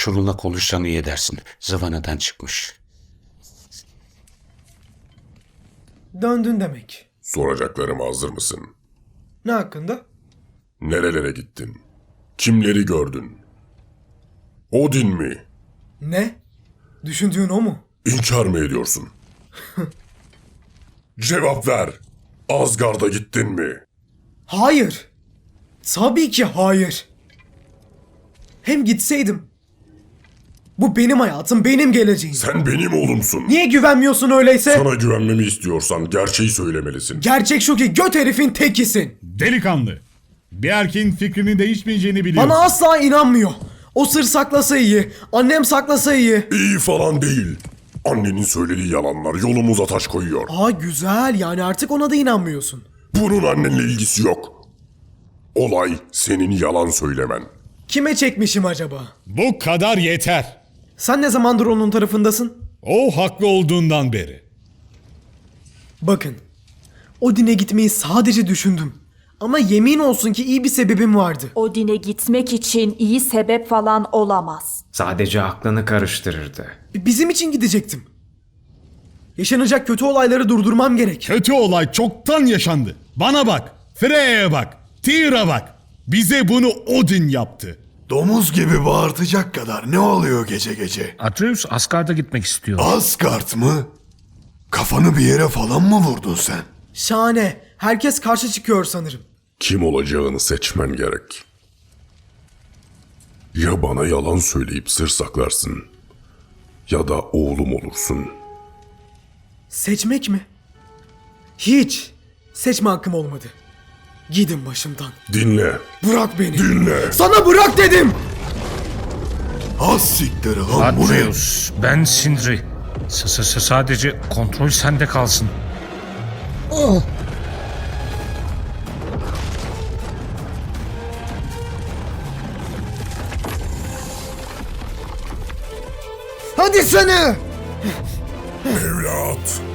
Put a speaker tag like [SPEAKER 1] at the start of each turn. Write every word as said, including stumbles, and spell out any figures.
[SPEAKER 1] Şununla konuşsan iyi edersin. Zıvanadan çıkmış.
[SPEAKER 2] Döndün demek.
[SPEAKER 3] Soracaklarıma hazır mısın?
[SPEAKER 2] Ne hakkında?
[SPEAKER 3] Nerelere gittin? Kimleri gördün? Odin mi?
[SPEAKER 2] Ne? Düşündüğün o mu?
[SPEAKER 3] İnkar mı ediyorsun? Cevap ver. Asgard'a gittin mi?
[SPEAKER 2] Hayır. Tabii ki hayır. Hem gitseydim. Bu benim hayatım, benim geleceğim.
[SPEAKER 3] Sen benim oğlumsun.
[SPEAKER 2] Niye güvenmiyorsun öyleyse?
[SPEAKER 3] Sana güvenmemi istiyorsan gerçeği söylemelisin.
[SPEAKER 2] Gerçek şu ki göt herifin tekisin.
[SPEAKER 4] Delikanlı. Bir erkeğin fikrinin değişmeyeceğini biliyorsun.
[SPEAKER 2] Bana asla inanmıyor. O sır saklasa iyi, annem saklasa iyi.
[SPEAKER 3] İyi falan değil. Annenin söylediği yalanlar yolumuza taş koyuyor.
[SPEAKER 2] Aa güzel, yani artık ona da inanmıyorsun.
[SPEAKER 3] Bunun annenle ilgisi yok. Olay senin yalan söylemen.
[SPEAKER 2] Kime çekmişim acaba?
[SPEAKER 4] Bu kadar yeter.
[SPEAKER 2] Sen ne zamandır onun tarafındasın?
[SPEAKER 4] O haklı olduğundan beri.
[SPEAKER 2] Bakın, Odin'e gitmeyi sadece düşündüm. Ama yemin olsun ki iyi bir sebebim vardı.
[SPEAKER 5] Odin'e gitmek için iyi sebep falan olamaz.
[SPEAKER 6] Sadece aklını karıştırırdı.
[SPEAKER 2] B- Bizim için gidecektim. Yaşanacak kötü olayları durdurmam gerek.
[SPEAKER 4] Kötü olay çoktan yaşandı. Bana bak. Freya'ya bak. Tyr'a bak. Bize bunu Odin yaptı.
[SPEAKER 7] Domuz gibi bağırtacak kadar ne oluyor gece gece?
[SPEAKER 1] Atreus Asgard'a gitmek istiyor.
[SPEAKER 7] Asgard mı? Kafanı bir yere falan mı vurdun sen?
[SPEAKER 2] Şahane. Herkes karşı çıkıyor sanırım.
[SPEAKER 3] Kim olacağını seçmen gerek. Ya bana yalan söyleyip sır saklarsın ya da oğlum olursun.
[SPEAKER 2] Seçmek mi? Hiç. Seçme hakkım olmadı. Gidin başımdan.
[SPEAKER 3] Dinle,
[SPEAKER 2] Bırak beni.
[SPEAKER 3] dinle.
[SPEAKER 2] Sana bırak dedim.
[SPEAKER 7] Az siktir lan bu ne?
[SPEAKER 1] Atreus, ben Sindri. S -s -s Sadece kontrol sende kalsın.
[SPEAKER 2] Hadi seni.
[SPEAKER 3] Evlat,